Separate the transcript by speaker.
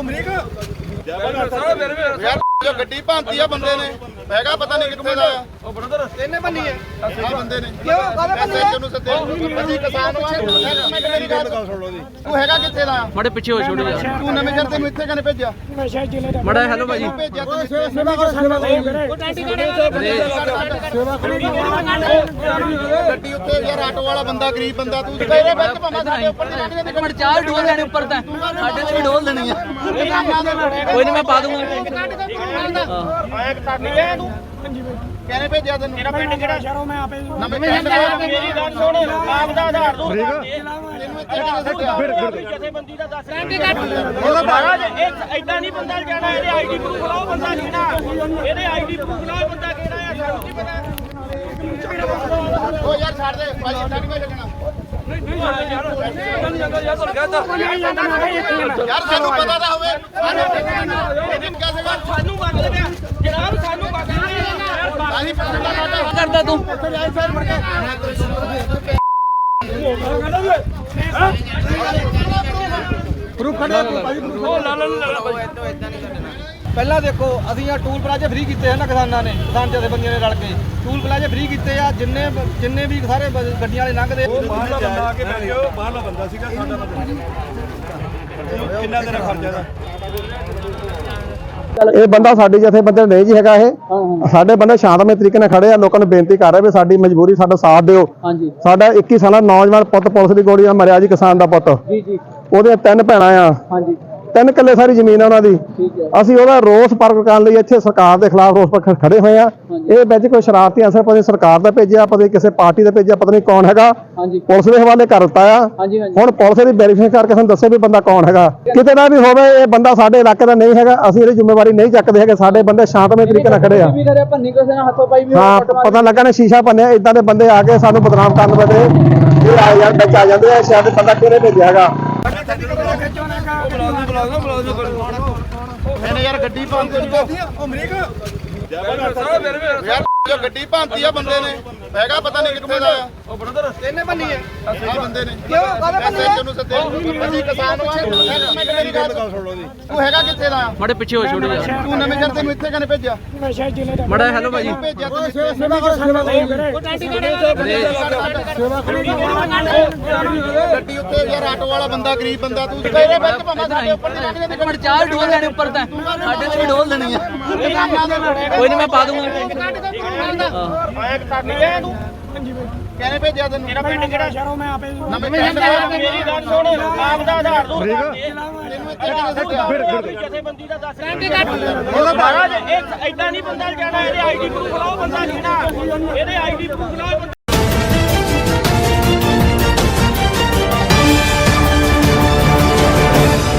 Speaker 1: यार जो गड्डी भांती है बंदे ने हैगा पता नहीं कितने दा ओ ब्रदर ਇਹਨੇ ਬੰਨੀ ਹੈ ਆ ਬੰਦੇ ਨੇ ਕਿਉਂ ਕਾਹਦੇ ਬੰਨੀ ਹੈ ਤੈਨੂੰ ਸੱਦੇ ਅਸੀਂ ਕਿਸਾਨ ਵਾਂ ਮੇਰੀ ਗੱਲ ਸੁਣ ਲਓ ਜੀ ਤੂੰ ਹੈਗਾ ਕਿੱਥੇ ਦਾ
Speaker 2: ਮੜੇ ਪਿੱਛੇ ਹੋ ਛੋੜ ਜਾ
Speaker 1: ਤੂੰ ਨਵੇਂ ਜਰ ਤੈਨੂੰ ਇੱਥੇ ਕਨੇ ਭੇਜਿਆ
Speaker 2: ਮੜਾ ਹੈਲੋ ਭਾਜੀ
Speaker 1: ਭੇਜਿਆ ਤੈਨੂੰ ਸੇਵਾ ਕਰੋ ਸੇਵਾ ਉਹ ਟੈਂਟੀ ਸੇਵਾ ਕਰੋ ਗੱਡੀ ਉੱਤੇ ਯਾਰ ਆਟੋ ਵਾਲਾ ਬੰਦਾ ਗਰੀਬ ਬੰਦਾ ਤੂੰ ਤੇਰੇ ਵਿੱਚ ਭਾਵੇਂ ਸਾਡੇ ਉੱਪਰ ਦੀ ਲੰਘ ਜਾਂਦੇ
Speaker 2: ਮਿੰਟ ਚਾਰ ਡੋਲ ਲੈਣੇ ਉੱਪਰ ਤਾਂ ਸਾਡੇ ਤੇ ਵੀ ਡੋਲ ਦੇਣੀ ਆ ਕੋਈ ਨਹੀਂ ਮੈਂ ਪਾ ਦੂੰਗਾ
Speaker 1: ਆਇਆ ਕਰਨੀ ਹੈ ਤੂੰ ਕਹਿੰਦੇ ਭੇਜਿਆ ਤੈਨੂੰ ਮੇਰਾ ਪਿੰਡ ਕਿਹੜਾ ਸ਼ਹਿਰੋਂ ਮੈਂ ਆਪੇ ਨਵੇਂ ਪਿੰਡ ਮੇਰੀ ਗੱਲ ਸੁਣ ਆਪ ਦਾ ਆਧਾਰ ਤੂੰ ਤੈਨੂੰ ਇੱਥੇ ਕਿਹਨੇ ਸੱਦਿਆ ਜਥੇਬੰਦੀ ਦਾ ਦੱਸ ਉਹਦਾ ਮਹਾਰਾਜ ਇਹ ਐਦਾਂ ਨਹੀਂ ਬੰਦਾ ਜਾਣਾ ਇਹਦੇ ਆਈਡੀ ਪ੍ਰੂਫ ਲਾਓ ਬੰਦਾ ਕਿਹੜਾ ਇਹਦੇ ਆਈਡੀ ਪ੍ਰੂਫ ਲਾਓ ਬੰਦਾ ਕਿਹੜਾ ਆ ਸਾਨੂੰ ਕੀ ਪਤਾ ਉਹ ਯਾਰ ਛੱਡ ਦੇ ਭਾਈ ਇੱਥੇ ਨਹੀਂ ਲੱਗਣਾ ਯਾਰ ਸਾਨੂੰ ਪਤਾ ਤਾਂ ਹੋਵੇ ਸਾਨੂੰ ਵਗ ਲੱਗਿਆ ਜਨਾਬ ਸਾਨੂੰ ਵਗ
Speaker 2: ਕਰਦਾ ਤੂੰ
Speaker 1: ਪ੍ਰੂਫ ਖੜਾ ਭਾਈ ਪਹਿਲਾਂ ਦੇਖੋ ਅਸੀਂ ਆ ਟੂਲ ਪਲਾਜ਼ੇ ਫ੍ਰੀ ਕੀਤੇ ਹਨ ਕਿਸਾਨਾਂ ਨੇ ਕਿਸਾਨ ਜਥੇਬੰਦੀਆਂ ਨੇ ਰਲ ਕੇ ਟੂਲ ਪਲਾਜ਼ੇ ਫ੍ਰੀ ਕੀਤੇ ਆ ਜਿੰਨੇ ਵੀ ਸਾਰੇ ਗੱਡੀਆਂ ਵਾਲੇ ਲੰਘਦੇ ਉਹ ਬਾਹਰਲਾ ਬੰਦਾ ਆ ਕੇ ਬੈਠ ਗਿਆ ਬਾਹਰਲਾ ਬੰਦਾ ਸੀਗਾ ਸਾਡਾ ਬੰਦਾ ਕਿੰਨਾ ਦਿਨ ਖਰਚਾ ਦਾ
Speaker 3: ਇਹ ਬੰਦਾ ਸਾਡੀ ਜਥੇਬੰਦੀ ਨਹੀਂ ਜੀ ਹੈਗਾ ਇਹ ਸਾਡੇ ਬੰਦੇ ਸ਼ਾਂਤਮਈ ਤਰੀਕੇ ਨਾਲ ਖੜੇ ਆ ਲੋਕਾਂ ਨੂੰ ਬੇਨਤੀ ਕਰ ਰਹੇ ਵੀ ਸਾਡੀ ਮਜਬੂਰੀ ਸਾਡਾ ਸਾਥ ਦਿਓ ਸਾਡਾ 21 ਸਾਲਾ ਨੌਜਵਾਨ ਪੁੱਤ ਪੁਲਿਸ ਦੀ ਗੋਲੀ ਨਾਲ ਮਰਿਆ ਜੀ ਕਿਸਾਨ ਦਾ ਪੁੱਤ ਉਹਦੇ 3 ਭੈਣਾਂ ਆ 3 ਕਿੱਲੇ ਸਾਰੀ ਜ਼ਮੀਨ ਆ ਉਹਨਾਂ ਦੀ ਅਸੀਂ ਉਹਦਾ ਰੋਸ ਪ੍ਰਗਟ ਕਰਨ ਲਈ ਇੱਥੇ ਸਰਕਾਰ ਦੇ ਖਿਲਾਫ ਰੋਸ ਪਰ ਖੜੇ ਹੋਏ ਆ ਇਹ ਵਿੱਚ ਕੋਈ ਸ਼ਰਾਰਤੀ ਅਸਰ ਪਤਾ ਸਰਕਾਰ ਦਾ ਭੇਜਿਆ ਪਤਾ ਕਿਸੇ ਪਾਰਟੀ ਦਾ ਭੇਜਿਆ ਪਤਾ ਨਹੀਂ ਕੌਣ ਹੈਗਾ ਪੁਲਿਸ ਦੇ ਹਵਾਲੇ ਕਰ ਦਿੱਤਾ ਆ ਹੁਣ ਪੁਲਿਸ ਦੀ ਵੈਰੀਫਿਕੇਸ਼ਨ ਕਰਕੇ ਸਾਨੂੰ ਦੱਸੇ ਵੀ ਬੰਦਾ ਕੌਣ ਹੈਗਾ ਕਿਤੇ ਦਾ ਵੀ ਹੋਵੇ ਇਹ ਬੰਦਾ ਸਾਡੇ ਇਲਾਕੇ ਦਾ ਨਹੀਂ ਹੈਗਾ ਅਸੀਂ ਇਹਦੀ ਜ਼ਿੰਮੇਵਾਰੀ ਨਹੀਂ ਚੱਕਦੇ ਹੈਗੇ ਸਾਡੇ ਬੰਦੇ ਸ਼ਾਂਤਮਈ ਤਰੀਕੇ ਨਾਲ ਖੜੇ ਆ ਹਾਂ ਪਤਾ ਲੱਗਾ ਨੇ ਸ਼ੀਸ਼ਾ ਭੰਨਿਆ ਇਦਾਂ ਦੇ ਬੰਦੇ ਆ ਕੇ ਸਾਨੂੰ ਬਦਨਾਮ ਕਰਨ ਬਦੇ ਇਹ ਆ ਯਾਰ ਵਿੱਚ ਆ ਜਾਂਦੇ ਆ ਸ਼ਾਇਦ ਬੰਦਾ ਕਿਹਨੇ ਭੇਜਿਆ ਹੈਗਾ
Speaker 1: ਇਹਨੇ ਯਾਰ ਗੱਡੀ ਭਾਂਤੀ ਉਹ ਅਮਰੀਕ ਯਾਰ ਜੋ ਗੱਡੀ ਭਾਂਤੀ ਆ ਬੰਦੇ ਨੇ ਹੈਗਾ ਪਤਾ ਨਹੀਂ ਕਿੱਥੇ ਦਾ ਉਹ ਬ੍ਰਦਰ ਇਹਨੇ ਬੰਨੀ ਹੈ ਆ ਬੰਦੇ ਨੇ ਕਿਉਂ ਕਾਹਦੇ ਬੰਨੀ ਹੈ ਤੈਨੂੰ ਸੱਦੇ ਅਸੀਂ ਕਿਸਾਨ ਵਾਂ ਮੇਰੀ ਗੱਲ ਸੁਣ ਲਓ ਜੀ ਤੂੰ ਹੈਗਾ ਕਿੱਥੇ ਦਾ
Speaker 2: ਮੜੇ ਪਿੱਛੇ ਹੋ ਛੋੜ ਜਾ
Speaker 1: ਤੂੰ ਨਵੇਂ ਜਰ ਤੈਨੂੰ ਇੱਥੇ ਕਨੇ ਭੇਜਿਆ
Speaker 2: ਮੜਾ ਹੈਲੋ ਭਾਜੀ
Speaker 1: ਭੇਜਿਆ ਤੈਨੂੰ ਸੇਵਾ ਕਰੋ ਸੇਵਾ ਉਹ ਟੈਂਟੀ ਸੇਵਾ ਕਰੋ ਗੱਡੀ ਉੱਤੇ ਯਾਰ ਆਟੋ ਵਾਲਾ ਬੰਦਾ ਗਰੀਬ ਬੰਦਾ ਤੂੰ ਤੇਰੇ ਵਿੱਚ ਭਾਵੇਂ ਸਾਡੇ ਉੱਪਰ ਦੀ ਲੰਘ ਜਾਂਦੇ
Speaker 2: ਮਿੰਟ ਚਾਰ ਡੋਲ ਲੈਣੇ ਉੱਪਰ ਤਾਂ ਸਾਡੇ ਤੇ ਵੀ ਡੋਲ ਦੇਣੀ ਆ ਕੋਈ ਨਹੀਂ ਮੈਂ ਪਾ ਦੂੰਗਾ
Speaker 1: ਆਇਆ ਕਰਨੀ ਹੈ ਤੂੰ ਕਹਿੰਦੇ ਭੇਜਿਆ ਤੈਨੂੰ ਮੇਰਾ ਪਿੰਡ ਕਿਹੜਾ ਸ਼ਹਿਰੋਂ ਮੈਂ ਆਪੇ ਨਵੇਂ ਪਿੰਡ ਮੇਰੀ ਗੱਲ ਸੁਣ ਆਪ ਦਾ ਆਧਾਰ ਤੂੰ ਤੈਨੂੰ ਇੱਥੇ ਕਿਹਨੇ ਸੱਦਿਆ ਜਥੇਬੰਦੀ ਦਾ ਦੱਸ ਉਹਦਾ ਮਹਾਰਾਜ ਇਹ ਐਦਾਂ ਨਹੀਂ ਬੰਦਾ ਜਾਣਾ ਇਹਦੇ ਆਈਡੀ ਪ੍ਰੂਫ ਲਾਓ ਬੰਦਾ ਕਿਹੜਾ ਇਹਦੇ ਆਈਡੀ ਪ੍ਰੂਫ ਲਾਓ